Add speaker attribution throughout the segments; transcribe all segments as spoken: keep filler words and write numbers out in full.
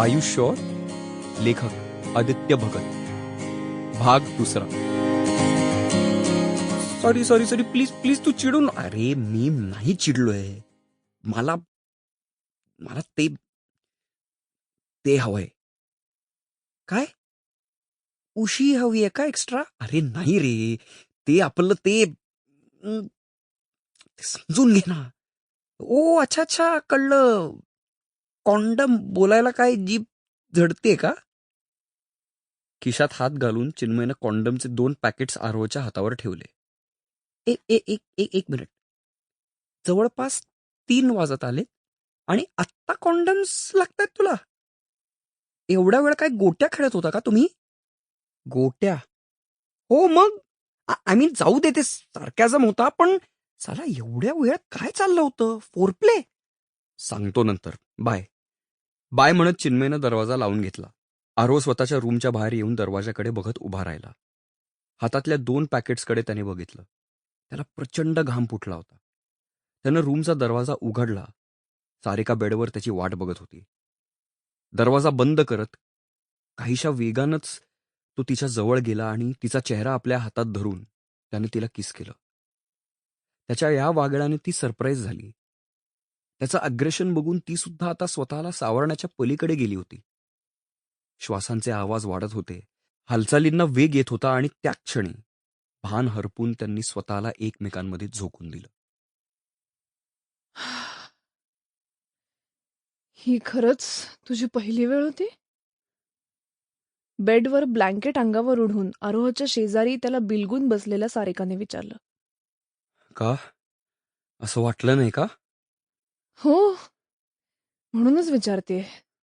Speaker 1: You sure? लेखक आदित्य भगत. भाग दुसरा. Sorry sorry sorry please please तू चिडू न. अरे मी नाही चिडलोय. मला मला ते ते हवंय. काय? उशी हवी आहे का एक्स्ट्रा? अरे नाही रे, ते आपलं ते अं, ते समजून घे ना. ओ अच्छा अच्छा कळलं. कॉन्डम बोलायला काय जीभ झडते का? खिशात हात घालून चिन्मयनं कॉन्डमचे दोन पॅकेट्स आरोच्या हातावर ठेवले. एक एक एक एक एक मिनिट. जवळपास तीन वाजत आले आणि आत्ता कॉन्डम्स लागतायत तुला? एवढा वेळ काय गोट्या खेळत होता का तुम्ही? गोट्या? हो मग. आय मीन जाऊ दे, ते सार्कॅझम होता, पण साला एवढ्या वेळात काय चाललं होतं? फोरप्ले? सांगतो नंतर. बाय. बाय म्हणत चिन्मयनं दरवाजा लावून घेतला. आरो स्वतःच्या रूमच्या बाहेर येऊन दरवाजाकडे बघत उभा राहिला. हातातल्या दोन पॅकेट्सकडे त्याने बघितलं. त्याला प्रचंड घाम फुटला होता. त्यानं रूमचा दरवाजा उघडला. सारिका बेडवर त्याची वाट बघत होती. दरवाजा बंद करत काहीशा वेगानंच तो तिच्या जवळ गेला आणि तिचा चेहरा आपल्या हातात धरून त्याने तिला किस केलं. त्याच्या या वागण्याने ती सरप्राईज झाली. त्याचं अग्रेशन बघून ती सुद्धा आता स्वतःला सावरण्याच्या पलीकडे गेली होती. श्वासांचे आवाज वाढत होते. हालचालींना वेग येत होता आणि त्या क्षणी भान हरपून त्यांनी स्वतःला एकमेकांमध्ये झोकून दिलं.
Speaker 2: ही खरंच तुझी पहिली वेळ होती? बेडवर ब्लँकेट अंगावर ओढून आरोहच्या शेजारी त्याला बिलगून बसलेल्या सारिकाने विचारलं.
Speaker 1: का? असं वाटलं नाही का?
Speaker 2: हो, म्हणूनच विचारते.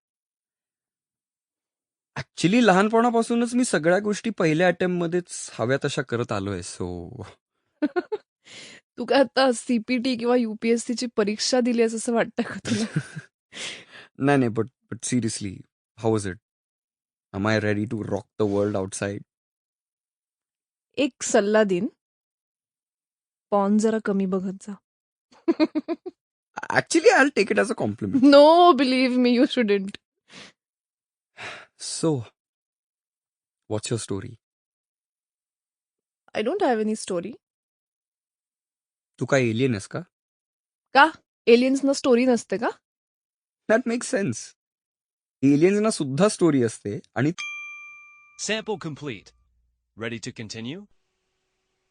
Speaker 1: ऍक्च्युली लहानपणापासूनच मी सगळ्या गोष्टी पहिल्या अटेम्प्ट मध्येच हव्या तशा करत आलोय. सो
Speaker 2: तू काय आता सीपीटी किंवा युपीएससी ची परीक्षा दिली आहेस असं वाटतं का तुला?
Speaker 1: नाही नाही but but seriously how was it? Am I ready to rock the world outside?
Speaker 2: एक सल्ला देईन, पॉन जरा कमी बघत जा.
Speaker 1: Actually I will take it as a compliment.
Speaker 2: No, believe me, you shouldn't.
Speaker 1: So what's your story?
Speaker 2: I don't have any story.
Speaker 1: तू काय एलियन आहेस का?
Speaker 2: का? एलियन्सना स्टोरी नसते का?
Speaker 1: That makes sense. एलियन्सना सुद्धा स्टोरी असते आणि
Speaker 3: Sample complete. Ready to continue?